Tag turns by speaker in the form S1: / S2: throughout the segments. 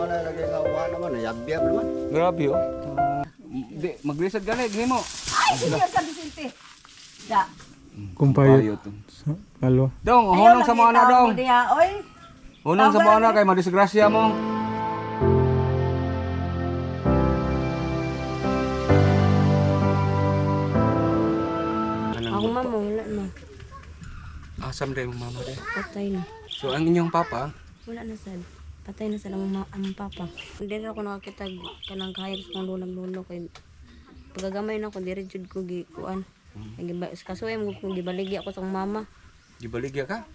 S1: panimalay lagi nga wa naman, yabyab naman.
S2: Grabe oh. Di, maglisod gani, gini mo.
S3: Ay, senior ka Vicente. Da.
S4: Kumpayot. Halo.
S2: Dong, hunong sa mga anak dong.
S3: Oy.
S2: Hunong sa mga anak kay madisgrasya mo.
S5: Ako mama, wala na.
S2: Asam day mong mama day.
S5: Patay na.
S2: So ang inyong papa,
S5: Wala na sad. Patay na sila ang papa. Hindi na ako nakakita kanang kahit sa mga lulang-lulo kay pagagamay na ako diri jud ko gikuan. Kasuya mo kung gibaligi ako sa mama.
S2: gibaligya ka?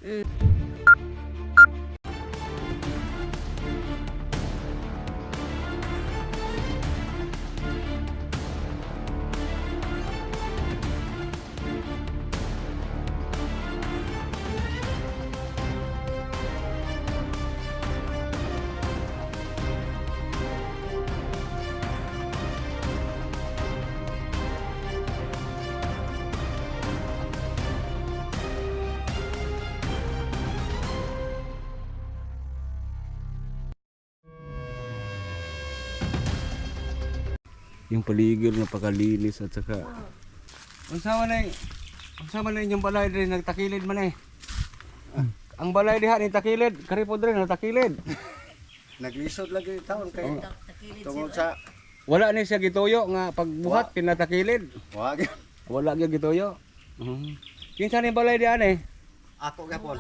S2: Yung paligid napakalinis at saka unsa man na inyong balay din nagtakilid man eh. Ang balay diha ni takilid, kari pod rin nagtakilid.
S1: Naglisod lagi taon kay tungod sa
S2: Wala ni siya gituyo nga pagbuhat pinatakilid.
S1: wag.
S2: Wala gyud gituyo. Kinsa ni balay diha ni?
S1: Ako gapon.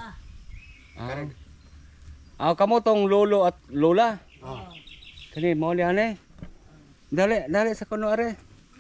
S2: Kamo tong lolo at lola.
S1: Oh.
S2: Kani mo ni ane. Dali sa kuno are.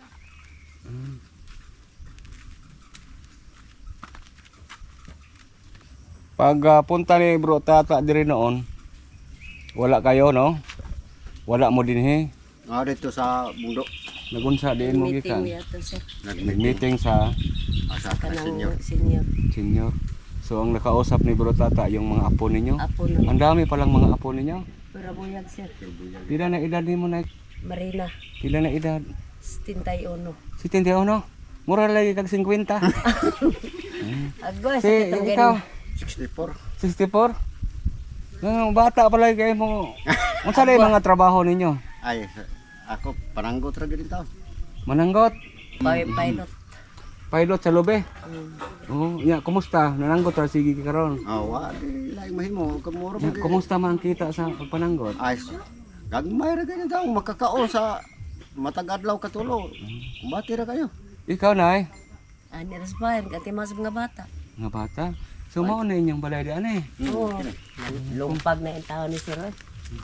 S2: Pag punta ni bro tata diri noon, wala kayo no? Wala mo dinhi.
S1: Dito sa bundok.
S2: Nagunsa din mo
S5: Meeting
S2: gikan.
S5: mo yato sir.
S2: Nag-meeting sa
S1: Asa ka senior.
S5: Kanang senior.
S2: senior. So ang nakausap ni bro tata yung mga apo ninyo.
S5: Apo na.
S2: Ang dami palang mga apo ninyo.
S5: Para buyag sir.
S2: Pila na edad nimo na?
S5: Marina.
S2: Pila na edad?
S5: 71.
S2: Si Tindiao no? Mura lagi kag 50.
S5: Agos.
S2: Si ikaw
S1: 64.
S2: 64. Nang bata pa lagi kayo mo. Unsa na yung mga trabaho ninyo?
S1: Ay, ako pananggot ra gid taon.
S2: Mananggot,
S5: Pilot.
S2: pilot sa lobe. Oh, ya, kumusta? Nananggot ra sige ka karon.
S1: Wa di laing mahimo kamuro
S2: Ya, kumusta man kita sa pagpananggot?
S1: Ay, gagmay ra gid taon makakaon sa matag adlaw katulo. Kumbati ra kayo.
S2: Ikaw nay,
S5: Ani rasbayan kati mas mga bata.
S2: nga bata. So mao na inyong balay di ani.
S5: Oo. Lumpag na yung tao ni sir. Eh.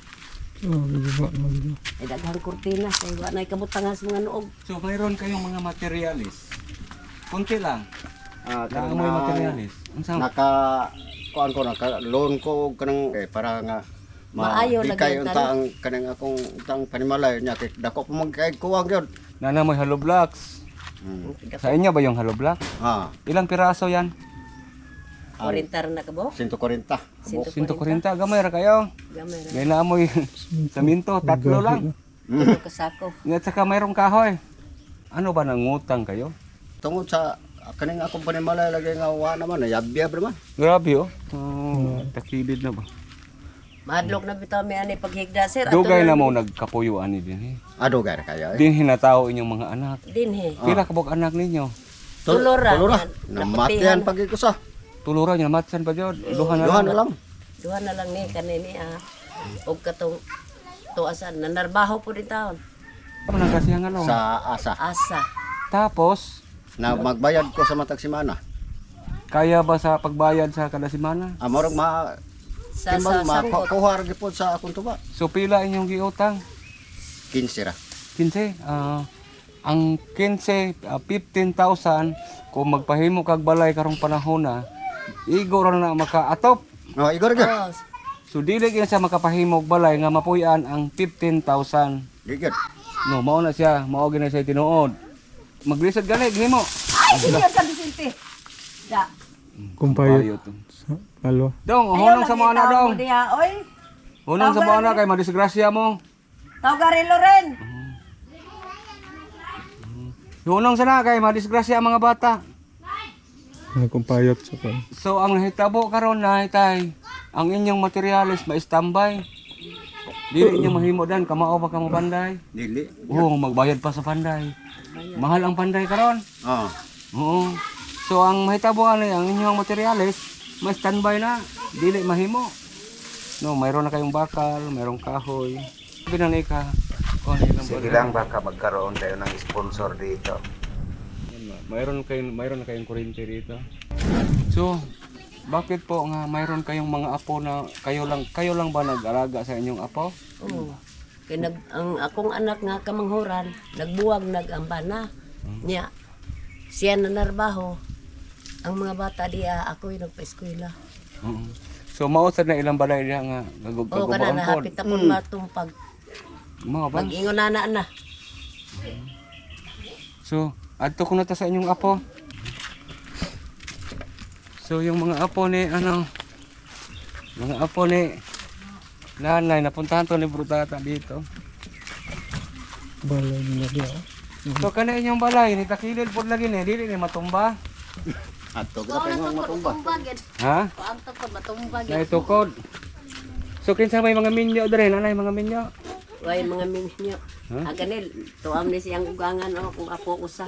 S5: Ay daghang kurtina kay wa na kabutangan sa mga nuog.
S2: So mayroon kayong mga materialis. Kunti lang.
S1: Kanang
S2: Naamoy materialis. Unsa?
S1: naka kuan ko naka loan ko og kanang para nga
S5: Maayo
S1: kay
S5: lagi
S1: unta ang kanang akong utang panimalay nya kay dako pa magkay kuwang gyud.
S2: Nanamoy hollow blocks. Sa inyo ba yung hollow block? Ilang piraso yan?
S5: 40 na kabo.
S1: 140.
S2: 140. Gamay ra kayo.
S5: Gamay ra.
S2: May naamoy saminto, tatlo lang.
S5: Tulo ka sako.
S2: At saka mayroong kahoy. Ano ba nangutang kayo?
S1: Tungod sa kaning akong panimalay lagi nga wa naman yabyab naman.
S2: Grabe oh. Takilid na ba?
S5: Madlok na bitaw mi ani paghigda sir.
S2: Dugay na mo nagkapuyuan ni din.
S1: Adugar kayo.
S2: Din hinataw inyong mga anak.
S5: Dinhe.
S2: Pila kabog anak ninyo?
S5: Tulora.
S1: Tulora.
S5: Yan.
S1: Namatian pag ko sa.
S2: Tuluran niya matsan pa jud. Duha na
S1: Duha
S2: lang.
S1: na lang.
S5: Duha na lang ni kanini og katong tuasan nanarbaho po din taon.
S2: Ano nang kasiyang ano?
S1: Sa asa.
S5: Asa.
S2: Tapos
S1: Na magbayad ko sa matag semana.
S2: kaya ba sa pagbayad sa kada semana?
S1: Amorog
S5: Sa
S1: timbang
S5: sangkot.
S1: makuha ra gipod sa akong tuba.
S2: So pila inyong giutang?
S1: 15 ra.
S2: 15. Ang 15, 15,000 kung magpahimo kag balay karong panahon na, igo ra na makaatop.
S1: Igor gyud.
S5: Oh,
S2: So dili gyud siya makapahimo og balay nga mapuy-an ang 15,000.
S1: Digid.
S2: No, mao na siya, mao gyud na siya tinuod. Maglisod gani gihimo.
S3: Ay, senior ka Vicente. Da.
S4: Kumpayot. Halo.
S2: Dong, hunong sa mga anak dong.
S3: Oy.
S2: Hunong sa mga anak kay madisgrasya mo.
S3: Tawgarilo rin.
S2: Hunong sana kay madisgrasya ang mga bata.
S4: Kumpayot sa kan.
S2: So ang nahitabo karon na tay, ang inyong materialis ma-standby. Dili niya mahimo dan kamao pa ka mo panday.
S1: Dili.
S2: Oo, magbayad pa sa panday. Mahal ang panday karon.
S1: Oh.
S2: Oo. So ang mahitabo ani ang inyong materyales, may standby na, dili mahimo. No, mayroon na kayong bakal, mayroong kahoy. Binanay ka. Oh,
S6: Sige lang, baka magkaroon tayo ng sponsor dito.
S2: mayroon na kayong kuryente dito. So, bakit po nga mayroon kayong mga apo na kayo lang ba nag-alaga sa inyong apo?
S3: Oo. Kaya ang akong anak nga kamanghuran, nagbuwag nag-ambana. Niya, siya na narbaho. Ang mga bata diya, ako'y nagpa-eskwela.
S2: Oo. So, mausad na ilang balay diha nga
S3: Oo, kana
S2: gagubang
S3: na,
S2: pod.
S3: hapit akong matumpag.
S2: Mga ba?
S3: Mag-ingon na.
S2: So, adto ko na ta sa inyong apo. So, yung mga apo ni nanay, napuntahan to ni Brutata dito.
S4: Balay nila diya.
S2: So, kana inyong balay, ni takilid pod lagi ni, dili ni matumba.
S1: Ato ka pa yung matumba.
S2: Ha? Na itukod. So, kinsa may mga minyo dere, nanay mga minyo.
S3: Way mga minyo.
S2: Huh?
S3: Aganil, tuam ni siyang ugangan o kung ako usa.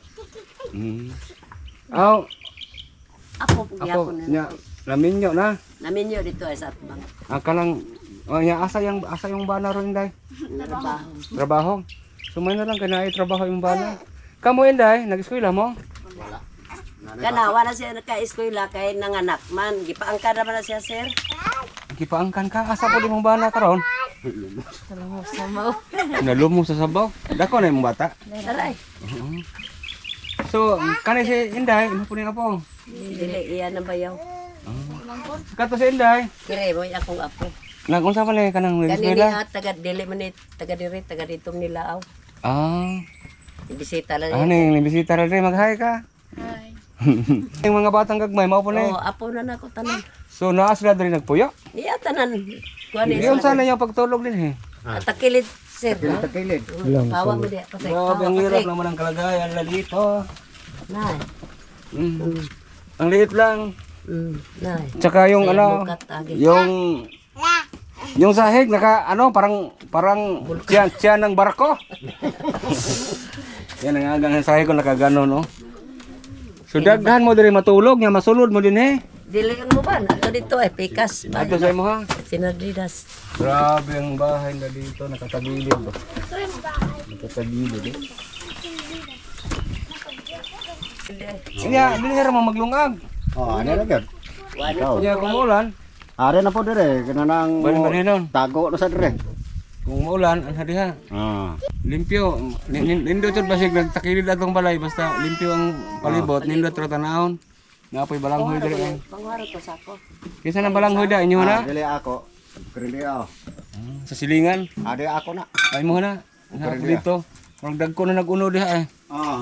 S2: Aw,
S3: Ako po
S2: ako
S3: gyapon
S2: nya
S3: na.
S2: na minyo na.
S3: Naminyo dito ay sa atbang.
S2: Ang kanang nya asa yung bana ron day.
S3: Narabaho.
S2: Trabaho. So may na lang kanay trabaho yung bana. Kamo inday, nag-eskwela mo?
S3: Kana wala siya naka-eskwela kay nanganak man. Gipaangka naman na siya, sir.
S2: Gipaangkan ka asa po imong bana karon? Nalumong sa sabaw. Dako na imong bata.
S3: Taray.
S2: So kanay si inday, imo po ni apo.
S3: Dili iya na bayaw.
S2: Kato si inday.
S3: Kire mo akong apo.
S2: Nagunsa pa ni kanang
S3: Kanini
S2: nag-eskwela?
S3: taga dili man ni taga diri taga dito nila aw.
S2: Ah.
S3: Ibisita lang.
S2: Ano yung bisita rin mag-hi ka? Hi. Yung mga batang gagmay, mao po na
S3: Oh, apo na nako tanan.
S2: So naa sila rin nagpuyo?
S3: Iya tanan. Kuan ni
S2: Yung sana yung pagtulog din eh.
S3: Takilid, sir.
S1: Takilid.
S4: Lang
S3: Pawa mo diya. Patay.
S2: Grabe, ang hirap naman ang kalagayan na dito.
S3: Nay.
S2: Ang liit lang.
S3: Nay.
S2: Tsaka yung
S3: Saya
S2: ano,
S3: bukat agi.
S2: yung sahig naka ano parang tiyan ng barko. Yan ang agang sahig ko nakagano no. So daghan mo diri matulog nya masulod mo din eh.
S3: Dili mo ba? Ato dito ay pikas.
S2: Ato sa imo ha.
S3: Sinardidas.
S2: Grabe ang bahay na dito nakatagilid ba. Nakatagilid eh. Iya, dili ra mo maglungag.
S1: Oh, ano na gyud? Ikaw.
S2: Iya kumulan.
S1: Are na po dire, kanang
S2: Balinon.
S1: tago na sa dire.
S2: Kung maulan, ang hadiha.
S1: Ah.
S2: Limpyo. Nindot yun basig nagtakilid atong balay. Basta limpyo ang palibot. Nindot ra tanahon. Napoy balanghoy diri ay.
S3: Pangwaro ko sa ako.
S2: Kinsa nang balanghoy da inyo na?
S1: Dili ako. Krili ako.
S2: Sa silingan.
S1: Ade ako na.
S2: Ay mo na. Sa ako dito. Murag dagko na naguno diha eh.
S1: Ah.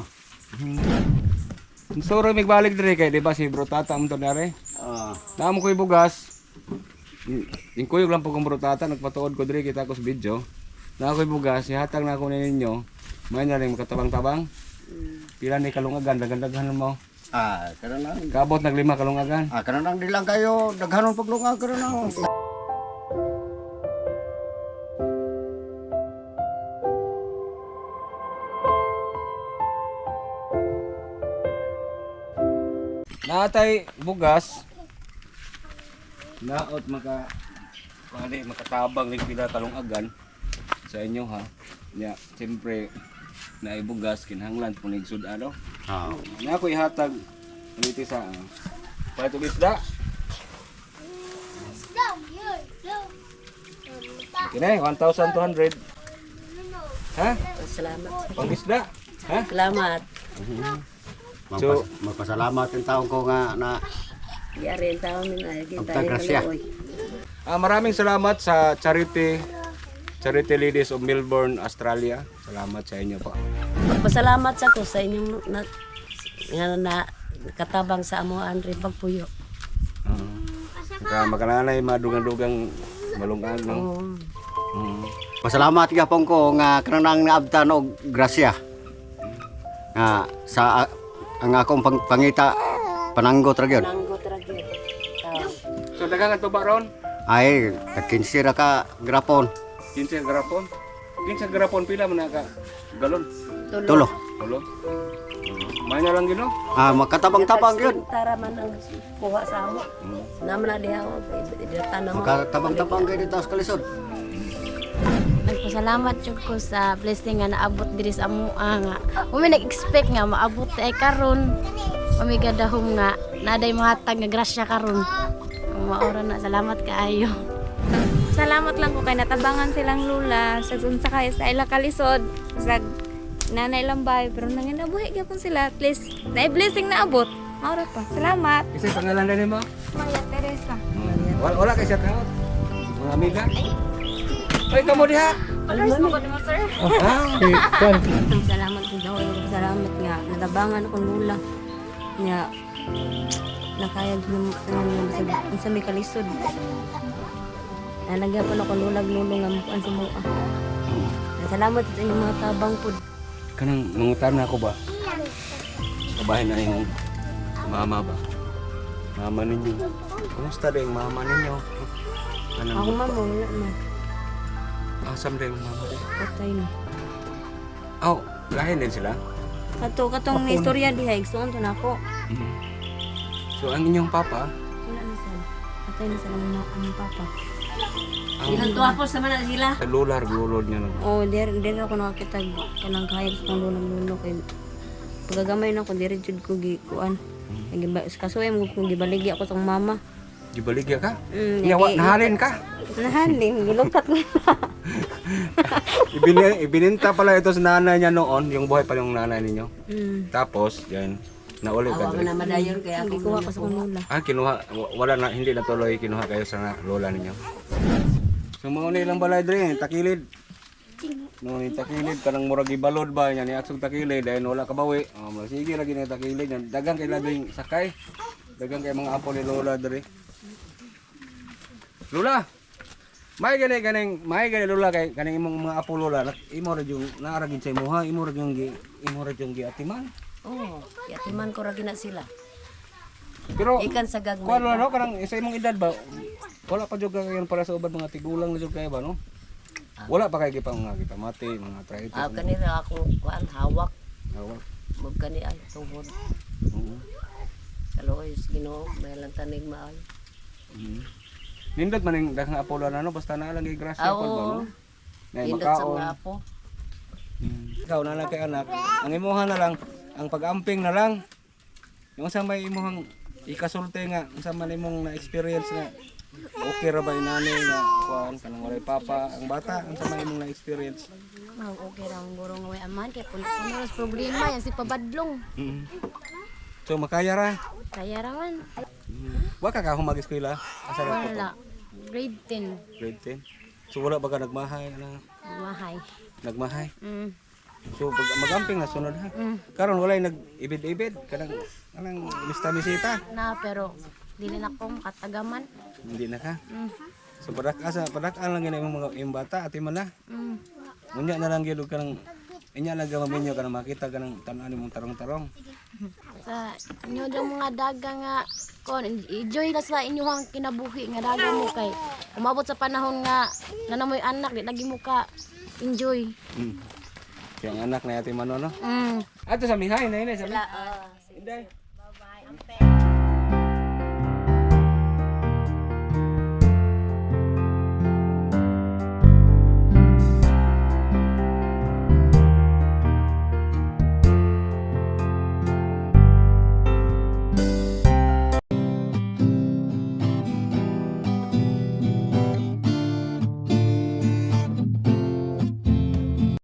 S2: Suro mig balik diri kay di ba si Brutata mo to nare.
S1: Ah.
S2: Namo ko'y bugas. Yung kuyog lang po kong Brutata, nagpatuod ko diri kita ko sa video. Na ako'y bugas, ihatag na ako ninyo. May na rin makatabang-tabang. Pila ni kalungagan, daghan-daghan mo.
S1: Ah, kanang
S2: Kabot naglima kalungagan.
S1: kanang di lang kayo daghanon paglungag kanang.
S2: Natay bugas. Naot makatabang ning pila kalungagan sa inyo ha. Nya, siyempre naibugas kinahanglan punig sud-ano.
S1: Ah.
S2: Na ako ihatag uliti sa palit og isda. Kini 1,200. Ha?
S3: Salamat.
S2: Pang isda. Ha?
S3: Salamat.
S2: So,
S1: Magpasalamat yung taong ko nga na
S3: Yari ang tao min ay kita
S1: Pagkagrasya.
S2: maraming salamat sa Charity Ladies of Melbourne, Australia. Salamat sa inyo po.
S3: Magpasalamat sa ko sa inyong na katabang sa amo Andre pagpuyo.
S2: Makananay madugang-dugang malungag no.
S1: pasalamat gyapon ko nga kanang naabtan og grasya. Nga sa ang akong pangita pananggot ra gyud.
S3: Nanggot ra gyud.
S2: So daghang ato ba ron?
S1: Ay, nagkinsira ka grapon.
S2: 15 garapon. 15 garapon pila man ka galon.
S1: Tulo.
S2: Tulo. May na lang gino.
S1: Makatabang-tabang yun.
S3: Tara man ang kuha sa amo. Naman na diha ako. Tanong mo.
S1: Makatabang-tabang kayo dito sa kalisod.
S5: Nagpasalamat jud ko sa blessing nga naabot diri sa amoa nga. Umi nag-expect nga maabot ay karon. Umi gadahom nga naday mahatag nga grasya karon. Ang maora na salamat kaayo.
S7: Salamat lang ko kay natabangan silang lula sa unsa kay sa ila kalisod sa nanay lambay pero nanginabuhi gyapon sila at least na blessing na abot. Maura pa. Salamat.
S2: Kasi pangalan na nimo?
S7: Maria Teresa.
S2: Wala kay shout out. Mga amiga. Ay kamo diha.
S7: Alas mo ko sir.
S4: Okay, kuan.
S5: Salamat jud daw salamat nga natabangan akong lula. Nga nakayag ng sa may kalisod. Nalagyan ako lulag-lulong nga mukuan sa mua. Salamat sa inyong mga tabang pod.
S2: Kanang mangutan na ako ba? Kabahin na yung mama ba? Mama ninyo. Kumusta din mama ninyo? Kanang
S5: Ako mama, wala na.
S2: asam din yung mama.
S5: Patay na.
S2: Oh, lahin din sila.
S5: Katong istorya diha, igsuon to na ako.
S2: So ang inyong papa,
S5: Wala na sila. Patay na sila ang papa.
S3: Ilang tuwapos naman na sila.
S2: lular gulod niya lang.
S5: Oh, der ako nakakita kanang kahit sa lulo kay pagagamay na ko dire jud ko gikuan. Kasuy mo kung gibaligi ako sa mama.
S2: Gibaligya ka?
S5: Mm,
S2: Nahalin ka?
S5: Nahalin, gilukat ko.
S2: Ibininta pala ito sa nanay niya noon, yung buhay pa yung nanay ninyo. Tapos, yan, nauli ka
S3: Awa
S2: dito.
S3: na madayon kaya ako
S5: Gikuha ko sa kong lula.
S2: Kinuha, wala na, hindi natuloy, kinuha kayo sa lola ninyo. So, mauna ilang balay dre, takilid. No, ni takilid, kanang murag ibalod ba, yan, iaksog takilid, dahil wala kabawi. Sige, lagi na takilid, yan. Dagang kay labing sakay. Dagang kay mga apo ni lola dre. Lola! May gani lola kay kaning imong mga apo lola, imo ra yung naaragin sa imuha, imo ra yung giatiman.
S3: Oo, yatiman ko ra gina sila.
S2: Pero
S3: Ikan sa gagmay.
S2: kuan no kanang sa imong edad ba? Wala pa jud kayo para sa ubad mga tigulang na jud kayo ba no? Wala pa kay gipang mga gipamati, mga arthritis.
S3: Kanira ako kuan hawak.
S2: Wala.
S3: Mag kani ay tuhod. Kaloy Ginoo, may lang tanig maay.
S2: Nindot man ning daghang apo lola no, basta na lang gigrasya
S3: Oo.
S2: pod ba no? Nay
S3: Indot sa
S2: makaon.
S3: mga apo.
S2: Ikaw na lang kay anak, ang imuha na lang, ang pag-amping na lang. Yung sa may imuhang ikasulti nga, sa man imong na-experience na okay ra ba inani nga kuan kanang walay papa ang bata, ang sa may imong na-experience.
S5: Okay ra ang guro nga way aman kay puno sa problema yan si pabadlong.
S2: So makaya ra.
S5: Kaya ra man.
S2: Wa ka humag-eskwela? Asa ra
S5: Wala. Grade 10.
S2: Grade 10. So wala ba ka nagmahay na
S5: Mahay.
S2: nagmahay?
S5: Mm.
S2: So pag magamping na sunod ha. Karon walay nag-ibid-ibid kanang mista-misita.
S5: Na pero dili na ko makatagaman.
S2: Hindi na ka. So padak-an lang gina imong mga imong bata ati man na. Unya na lang gyud kanang inya lang gamaminyo kanang makita kanang tan-an imong tarong-tarong.
S5: Sa inyo daw mga daga nga kon enjoy na sa inyong kinabuhi nga daga mo kay umabot sa panahon nga nanamoy anak di lagi mo ka enjoy.
S2: Yung anak na ati man no.
S5: Mm.
S2: Ato sa mihay na ini sa. Inday.